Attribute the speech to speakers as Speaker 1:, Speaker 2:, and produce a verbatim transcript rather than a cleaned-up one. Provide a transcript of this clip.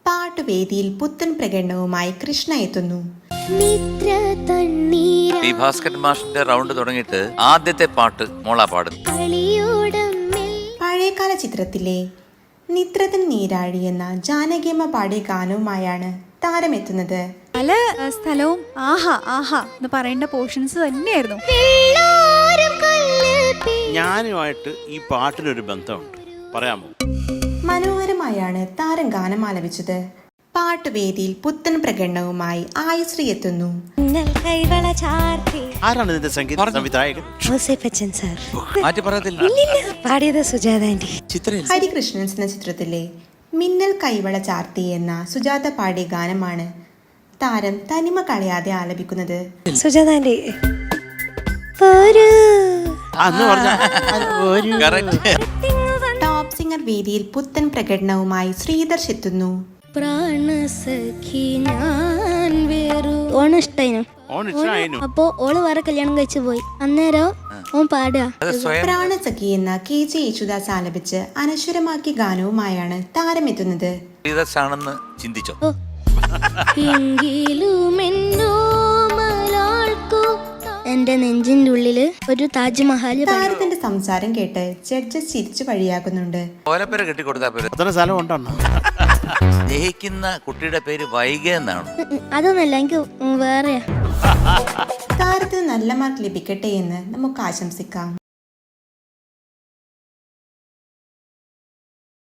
Speaker 1: പാട്ടുവേദിയിൽ പുത്തൻ പ്രകടനവുമായി കൃഷ്ണ എത്തുന്നു.
Speaker 2: ഈ ഭാസ്കരൻ മാഷിന്റെ റൗണ്ട് തുടങ്ങിയിട്ട് ആദ്യത്തെ പാട്ട് മോളാ പാടുന്നു.
Speaker 1: പഴയകാല ചിത്രത്തിലെ നിദ്രതൻ നീരാഴി എന്ന ജാനകിയമ്മ പാടിയ ഗാനവുമായാണ് താരമെത്തുന്നത്.
Speaker 3: പല സ്ഥലവും ആഹാ ആഹാ എന്ന് പറയേണ്ട പോർഷൻസ് തന്നെയായിരുന്നു.
Speaker 4: ഞാനുമായിട്ട് ഈ പാട്ടിനൊരു ബന്ധമുണ്ട്, പറയാമോ?
Speaker 1: മനോഹരമായാണ് താരം ഗാനം ആലപിച്ചത്. പാട്ടുവേദിയിൽ പുത്തൻ പ്രകടനവുമായി ആയുശ്രീ എത്തുന്നു.
Speaker 4: ആരാണ് ഇതിന്റെ സംഗീത സംവിധായകൻ?
Speaker 2: മാറ്റി പറയത്തില്ല.
Speaker 5: പാടിയത് സുജാത ആന്റി.
Speaker 1: ഹരികൃഷ്ണൻസ് എന്ന ചിത്രത്തിലെ മിന്നൽ കൈവള ചാർത്തി എന്ന സുജാത പാടിയ ഗാനമാണ് താരം തനിമ കളയാതെ ആലപിക്കുന്നത്.
Speaker 5: സുജാത ആന്റി
Speaker 1: ടോപ്പ് സിംഗർ വേദിയിൽ പുത്തൻ പ്രകടനവുമായി ശ്രീദർശ് എത്തുന്നു.
Speaker 6: ഓണം ഇഷ്ടായിനു. അപ്പൊ ഓള് വേറെ കല്യാണം കഴിച്ചു പോയി. അന്നേരം ഓൻ പാടുക
Speaker 1: പ്രാണസഖി എന്ന കെ ജെ യേശുദാസ് ആലപിച്ച് അനശ്വരമാക്കിയ ഗാനവുമായാണ് താരമെത്തുന്നത്.
Speaker 2: ശ്രീദർശാണെന്ന് ചിന്തിച്ചോ?
Speaker 6: എന്റെ നെഞ്ചിന്റെ ഉള്ളില് ഒരു താജ്മഹൽ.
Speaker 1: താരത്തിന്റെ സംസാരം കേട്ട് ജഡ്ജസ് ചിരിച്ചു വഴിയാക്കുന്നുണ്ട്.
Speaker 2: ഓലപ്പേര കെട്ടിക്കൊടുത്താ പേര്
Speaker 4: അത്ര സ്ഥലം ഉണ്ടോ?
Speaker 2: ജയിക്കുന്ന കുട്ടിയുടെ പേര് വൈഗ എന്നാണ്.
Speaker 6: അതൊന്നല്ല, എനിക്ക് വേറെ.
Speaker 1: താരത്തിന് നല്ല മാർക്ക് ലഭിക്കട്ടെ എന്ന് നമുക്ക് ആശംസിക്കാം.